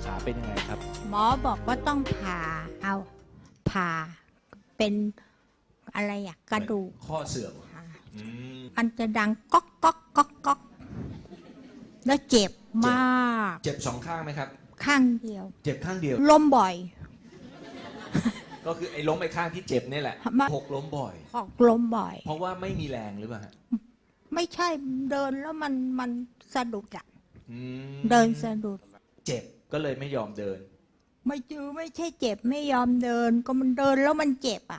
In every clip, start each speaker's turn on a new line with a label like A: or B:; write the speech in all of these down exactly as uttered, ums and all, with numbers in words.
A: ขาเป็นยังไงครับ
B: หมอบอกว่าต้องผ่าเอาผ่าเป็นอะไรอะกระดูก
A: ข้อเสื่อม
B: มันจะดังก๊อกก๊อกก๊อกก๊อกแล้วเจ็บมาก
A: เจ็บสองข้างไหมครับ
B: ข้างเดียว
A: เจ็บข้างเดียว
B: ล้มบ่อย
A: ก็คือไอ้ล้มไอ้ข้างที่เจ็บนี่แหละหกล้มบ่อย
B: หกล้มบ่อย
A: เพราะว่าไม่มีแรงหรือเปล่าฮะ
B: ไม่ใช่เดินแล้วมันมันสะดุดอะเดินสะดุด
A: เจ็บก็เลยไม่ยอมเดิน
B: ไม่จือไม่ใช่เจ็บไม่ยอมเดินก็มันเดินแล้วมันเจ็บอ่ะ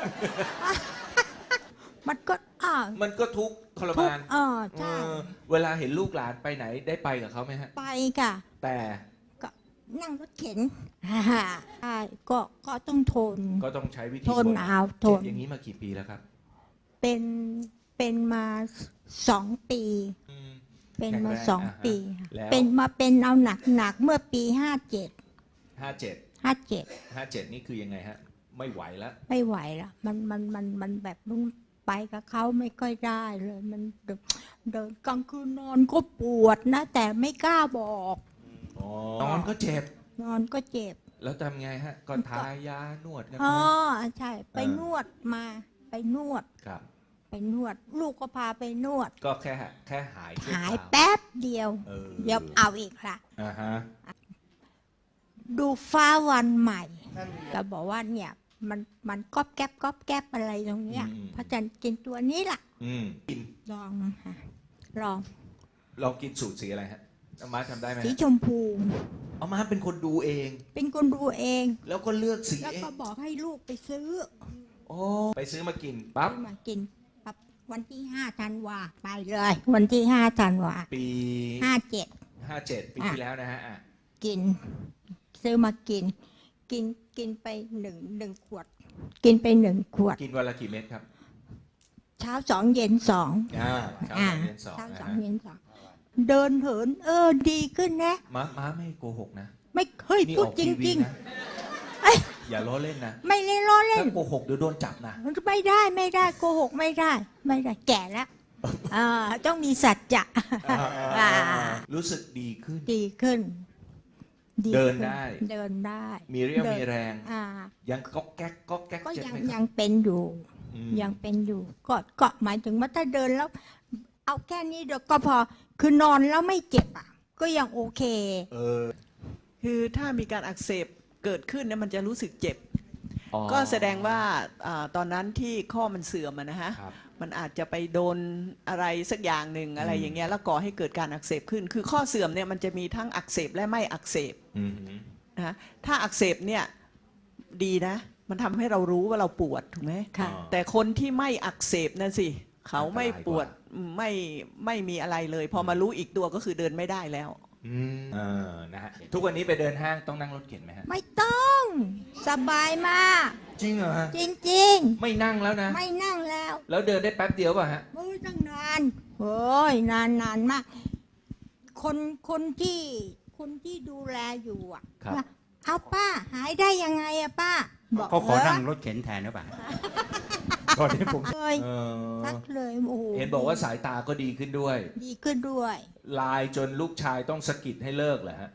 B: มันก็อ่า
A: มันก็ทุกข์ทรมาน
B: อ่าใช่
A: เวลาเห็นลูกหลานไปไหนได้ไปกับเขาไหมฮะ
B: ไปค่ะ
A: แต่
B: ก็นั่งรถเข็นใช่ก็ก็ต้องทน
A: ก็ต้องใช้วิธี
B: ทนเอาทน
A: อย่างนี้มากี่ปีแล้วครับ
B: เป็นเป็นมาสองปีเป็นมาสองปีเป็นมาเป็นเอาหนักหนักเมื่อปีห้าเจ็ด
A: ห้าเจ็ด
B: ห้าเจ็ด
A: ห้าเจ็ดนี่คือยังไงฮะไม่ไหวแล้ว
B: ไม่ไหวแล้วมันมันมันมันแบบลุงไปกับเขาไม่ค่อยได้เลยมันเดินกลางคืนนอนก็ปวดนะแต่ไม่กล้าบอก
A: นอนก็เจ็บ
B: นอนก็เจ็บ
A: แล้วทำไงฮะก็ทายานวดกัน
B: อ๋อใช่ไปนวดมาไปนวด
A: ครับ
B: ไปนวดลูกก็พาไปนวด
A: ก็แค่แค่หาย
B: หายแป๊บเดียวเดี๋ยวเอาอีกค่ะ
A: อ่าฮะ
B: ดูฟ้าวันใหม่ก็บอกว่าเนี่ยมันมันก๊อบแก๊บก๊อบแก๊บอะไรตรงเนี้ยพระจันทร์กินตัวนี้ล่ะ
A: กิน
B: ลองค่ะลอง
A: ลองกินสูตรสีอะไรฮะอาม่าทำได้ไหม
B: สีชมพู
A: อาม่าเป็นคนดูเอง
B: เป็นคนดูเอง
A: แล้วก็เลือกสี
B: แล้วก็บอกให้ลูกไปซื้อ
A: โอ้ไปซื้อมากินปั๊บ
B: มากินปั๊บวันที่ห้าธันวาไปเลยวันที่ห้าธันวา
A: ปี
B: ห้าเจ็ด
A: ห้าเจ็ดปีที่แล้วนะฮะ
B: กินซื้อมากินกินกินไปหนึ่งหนึ่งขวดกินไปหนึ่งขวด
A: กินวันละกี่เม็ดครับ
B: เช้าสองเย็นสอง
A: อ่าเช้าสองเย็นสอง
B: เช้าสองเย็นสองเดินเหินเออดีขึ้นนะ
A: ม้าม้าไม่โกหกนะ
B: ไม่เฮ้ยพูดจริง
A: ๆอย่าล้อเล่นนะ
B: ไม่เล่นล้อเล่น
A: ถ้าโกหกเดี๋ยวโดนจับนะ
B: ไม่ได้ไม่ได้โกหกไม่ได้ไม่ได้แก่แล้วอ่าต้องมีสัจจะ
A: รู้สึกดีขึ้น
B: ดีขึ้น
A: เดินได้
B: เดินได้
A: มีเรี่ยวมีแรงยังก๊อกแก๊กก๊อกแก๊ก
B: ก็ยังยังเป็นอยู่ยังเป็นอยู่ก็ก็หมายถึงว่าถ้าเดินแล้วเอาแค่นี้เดี๋ยวก็พอคือนอนแล้วไม่เจ็บอ่ะก็ยังโอเค
A: เออ
C: คือถ้ามีการอักเสบเกิดขึ้นเนี่ยมันจะรู้สึกเจ็บก็แสดงว่าตอนนั้นที่ข้อมันเสื่อมนะฮะมันอาจจะไปโดนอะไรสักอย่างหนึ่งอะไรอย่างเงี้ยแล้วก่อให้เกิดการอักเสบขึ้นคือข้อเสื่อมเนี่ยมันจะมีทั้งอักเสบและไม่อักเสบนะถ้าอักเสบเนี่ยดีนะมันทำให้เรารู้ว่าเราปวดถูกไหมแต่คนที่ไม่อักเสบนั่นสิเขาไม่ปวดไม่ไม่มีอะไรเลยพอมารู้อีกตัวก็คือเดินไม่ได้แล้ว
A: อืมเออนะฮะทุกวันนี้ไปเดินห้างต้องนั่งรถเข็นไหมฮะ
B: ไม่ต้องสบายมาก
A: จริงเหรอฮะ
B: จริงจริง
A: ไม่นั่งแล้วนะ
B: ไม่นั่งแล้ว
A: แล้วเดินได้แป๊บเดียวป่ะฮะ
B: โอ้ยตั้งนานโอ้ยนานนานมากคนคนที่คนที่ดูแลอยู่อ่ะเอาป้าหายได้ยังไงอะป้า
D: เขาขอนั่งรถเข็นแทนหรือเปล่า
A: ตอนนี้ผม
B: เลยทักเลยโอ้โห
A: เห็นบอกว่าสายตาก็ดีขึ้นด้วย
B: ดีขึ้นด้วย
A: ไลน์จนลูกชายต้องสะกิดให้เลิกเหรอฮะ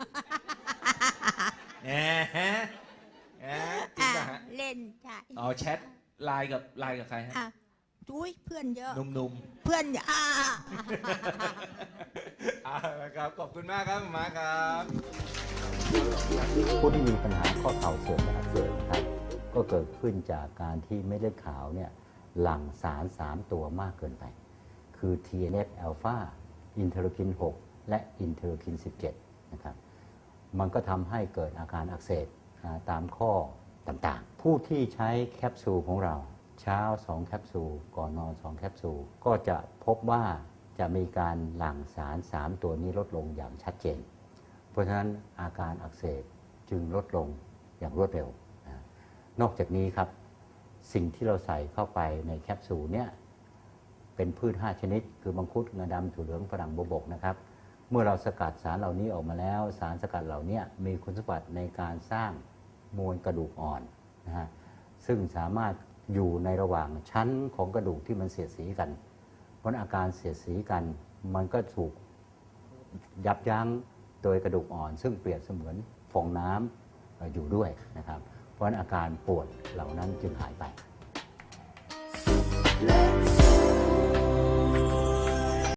A: แหมแหมจริงป่ะฮะ
B: เล่นใช่
A: อ๋อแชทไลน์กับไลน์กับใครฮะ
B: จุ้ยเพื่อนเยอะ
A: หนุ่ม
B: ๆเพื่อนอ่า
A: อ่าครับขอบคุณมากครับมาครับ
E: ผู้ที่มีปัญหาข้อเข่าเสื่อมและอักเสบนะครับก็เกิดขึ้นจากการที่เม็ดเลือดขาวเนี่ยหลั่งสารสามตัวมากเกินไปคือ ที เอ็น เอฟ อลฟา อินเทอร์คิน หก และอินเทอร์คิน สิบเจ็ด นะครับมันก็ทำให้เกิดอาการอักเสบตามข้อต่างๆผู้ที่ใช้แคปซูลของเราเช้าสองแคปซูลก่อนนอนสองแคปซูลก็จะพบว่าจะมีการหลั่งสารสามตัวนี้ลดลงอย่างชัดเจนเพราะฉะนั้นอาการอักเสบจึงลดลงอย่างรวดเร็วนอกจากนี้ครับสิ่งที่เราใส่เข้าไปในแคปซูลเนี่ยเป็นพืชห้าชนิดคือมังคุดงาดำถั่วเหลืองฝรั่งบวบกนะครับเมื่อเราสกัดสารเหล่านี้ออกมาแล้วสารสกัดเหล่านี้มีคุณสมบัติในการสร้างมวลกระดูกอ่อนนะฮะซึ่งสามารถอยู่ในระหว่างชั้นของกระดูกที่มันเสียดสีกันเพราะอาการเสียดสีกันมันก็ถูกยับยั้งโดยกระดูกอ่อนซึ่งเปรียบเสมือนฟองน้ำเอ่ออยู่ด้วยนะครับ เพราะฉะนั้นอาการปวดเหล่านั้นจึงหายไป
F: Let